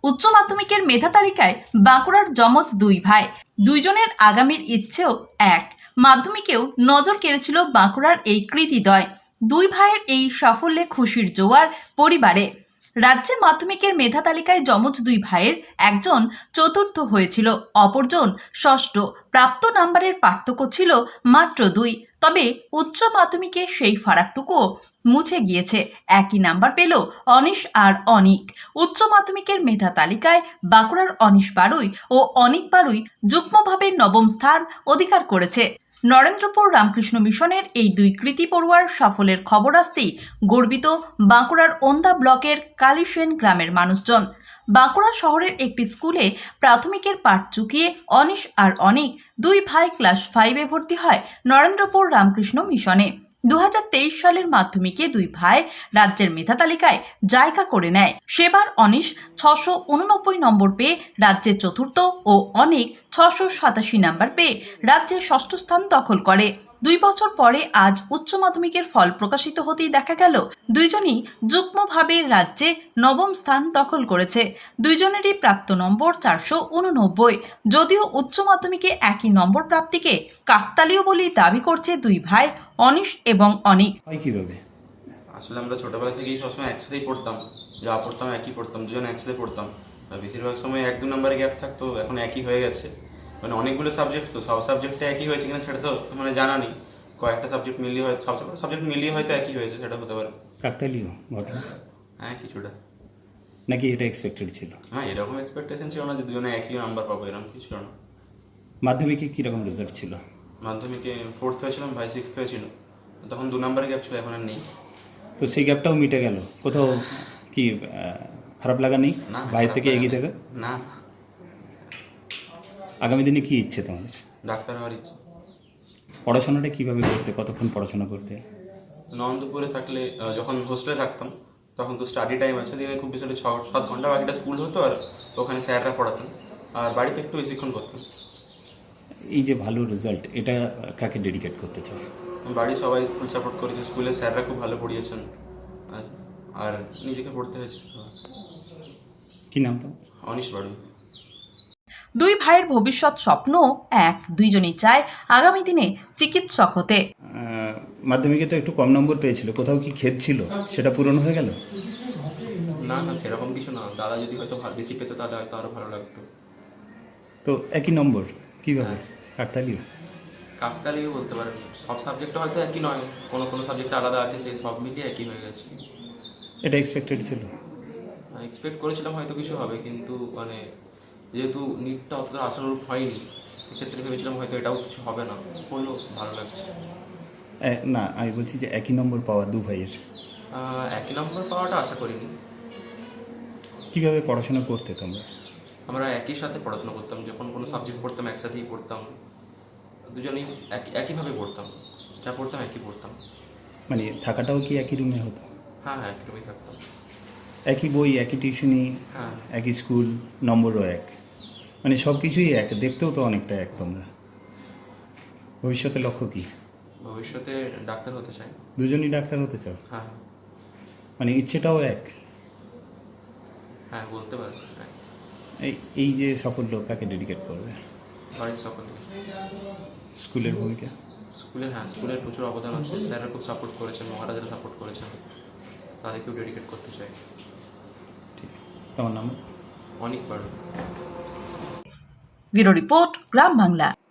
উচ্চ মাধ্যমিকের মেধা তালিকায় বাঁকুড়ার যমজ দুই ভাই, দুইজনের আগামীর ইচ্ছেও এক। মাধ্যমিকেও নজর কেড়েছিল বাঁকুড়ার এই কৃতিদয়। দুই ভাইয়ের এই সাফল্যে খুশির জোয়ার পরিবারে। রাজ্যে মাধ্যমিকের মেধা তালিকায় যমজ দুই ভাইয়ের একজন চতুর্থ হয়েছিল, অপরজন ষষ্ঠ। প্রাপ্ত নাম্বারের পার্থক্য ছিল মাত্র 2। তবে উচ্চ মাধ্যমিকে সেই ফারাকটুকুও মুছে গিয়েছে। একই নাম্বার পেল অনিশ আর অনিক। উচ্চ মাধ্যমিকের মেধা তালিকায় বাঁকুড়ার অনিশ বারুই ও অনিক বারুই যুগ্মভাবে নবম স্থান অধিকার করেছে। নরেন্দ্রপুর রামকৃষ্ণ মিশনের এই দুই কৃতি পড়ুয়ার সাফল্যের খবর আসতেই গর্বিত বাঁকুড়ার ওন্দা ব্লকের কালীসেন গ্রামের মানুষজন। বাঁকুড়া শহরের একটি স্কুলে প্রাথমিকের পাঠ চুকিয়ে অনিশ আর অনিক দুই ভাই ক্লাস 5-এ ভর্তি হয় নরেন্দ্রপুর রামকৃষ্ণ মিশনে। 2023 সালের মাধ্যমিকে দুই ভাই রাজ্যের মেধা তালিকায় জায়গা করে নেয়। সেবার অনিশ 689 নম্বর পেয়ে রাজ্যে চতুর্থ ও অনিক 687 নম্বর পেয়ে রাজ্যের ষষ্ঠ স্থান দখল করে। 2 বছর পরে আজ উচ্চ মাধ্যমিকের ফল প্রকাশিত হতেই দেখা গেল দুইজনই যুগ্মভাবে রাজ্যে নবম স্থান দখল করেছে। দুইজনেরই প্রাপ্ত নম্বর 489। যদিও উচ্চ মাধ্যমিকে একই নম্বর প্রাপ্তিকে কাকতালীয় বলেই দাবি করছে দুই ভাই অনিশ এবং অনিক। কিভাবে? আসলে আমরা ছোটবেলা থেকেই সবসময় একসাথেই পড়তাম, যা পড়তাম একই পড়তাম, দুজন একসাথে পড়তাম। বেশিরভাগ সময় 1-2 নম্বরে গ্যাপ থাকতো, এখন একই হয়ে গেছে। মানে অনেকগুলো সাবজেক্ট, তো সব সাবজেক্টে একই হয়েছে কিনা সেটা তো মানে জানা নেই। কয়েকটা সাবজেক্ট মিলিয়ে হয়তো সব সাবজেক্ট মিলিয়ে হয়তো একই হয়েছে, সেটা হতে পারে। কাকতালীয় ঘটনা? হ্যাঁ, কিছুটা। নাকি এটা এক্সপেক্টেড ছিল? হ্যাঁ, এরকম এক্সপেকটেশন ছিল না যে দুজনে একই নাম্বার পাবো, এরকম কিছু ছিল না। মাধ্যমিকে কীরকম রেজাল্ট ছিল? মাধ্যমিকে 4th হয়েছিলাম, ভাই 6th হয়েছিল। তখন 2 নম্বরে গ্যাপ ছিল, এখন আর নেই। তো সেই গ্যাপটাও মিটে গেল। কোথাও কি খারাপ লাগা নেই না, ভাইয়ের থেকে এগিয়ে থেকে? না। আগামী দিনে কি ইচ্ছে তোমাদের? ডাক্তার হওয়ার ইচ্ছে। পড়াশোনাটা কীভাবে করতে, কতক্ষণ পড়াশোনা করতে? নন্দপুরে থাকলে যখন হোস্টেলে থাকতাম তখন তো স্টাডি টাইম আছে, দিনে খুব বেশি 6-7 ঘন্টা, বাকিটা স্কুল হতো আর ওখানে স্যাররা পড়াতেন, আর বাড়িতে একটু বেশিক্ষণ করতাম। এই যে ভালো রেজাল্ট, এটা কাকে ডেডিকেট করতে চাও? বাড়ির সবাই ফুল সাপোর্ট করেছে, স্কুলের স্যাররা খুব ভালো পড়িয়েছেন, আর নিজেকে পড়তে হয়েছে। কি নাম তো? অনিশ বাড়ি। দুই ভাইয়ের ভবিষ্যৎ স্বপ্ন এক। দুইজনই চায় আগামী দিনে চিকিৎসক হতে। মাধ্যমিকে তো একটু কম নম্বর পেয়েছিল, কোথাও কি খেদ ছিল, সেটা পূরণ হয়ে গেল? না না, সেরকম কিছু না। দাদা যদি হয়তো বেশি পেতো তাহলে হয়তো আরও ভালো লাগতো। তো একই নম্বর কীভাবে? কাকতালীয়? কাকতালীয় বলতে পারেন, সব সাবজেক্টে হয়তো একই নয়, কোনো কোনো সাবজেক্টে আলাদা আছে, সেই সব মিলিয়ে একই হয়ে গেছে। এটা এক্সপেক্টেড ছিল? এক্সপেক্ট করেছিলাম হয়তো কিছু হবে, কিন্তু মানে যেহেতু নিটটা অতটা আশানুরূপ হয়নি, সেক্ষেত্রে ভেবেছিলাম হয়তো এটাও কিছু হবে না, হলো, ভালো লাগছে। না, আমি বলছি যে একই নম্বর পাওয়া দু ভাইয়ের। একই নম্বর পাওয়াটা আশা করিনি। কীভাবে পড়াশোনা করতে তোমরা? আমরা একই সাথে পড়াশোনা করতাম, যখন কোনো সাবজেক্ট পড়তাম একসাথেই পড়তাম, দুজনেই একইভাবে পড়তাম, যা পড়তাম একই পড়তাম। মানে থাকাটাও কি একই রুমে হতো? হ্যাঁ হ্যাঁ, একই রুমেই থাকতাম। একই বই, একই টিউশনি, হ্যাঁ। একই স্কুল, নম্বরও এক, মানে সব কিছুই এক, দেখতেও তো অনেকটা এক। তোমরা ভবিষ্যতে লক্ষ্য কি? ভবিষ্যতে ডাক্তার হতে চাই। দুজনই ডাক্তার হতে চাও? হ্যাঁ মানে ইচ্ছেটাও এক? হ্যাঁ, বলতে পারি। এই যে সাফল্য কাকে ডেডিকেট করবে? বাড়ির সকলকে। স্কুলের ভূমিকা? স্কুলের প্রচুর অবদান আছে, স্যাররা খুব সাপোর্ট করেছেন, মহারাজারা সাপোর্ট করেছেন, তাদেরকেও ডেডিকেট করতে চাই। ঠিক। তোমার নাম? অনেক বড়। ব্যুরো রিপোর্ট, গ্রাম বাংলা।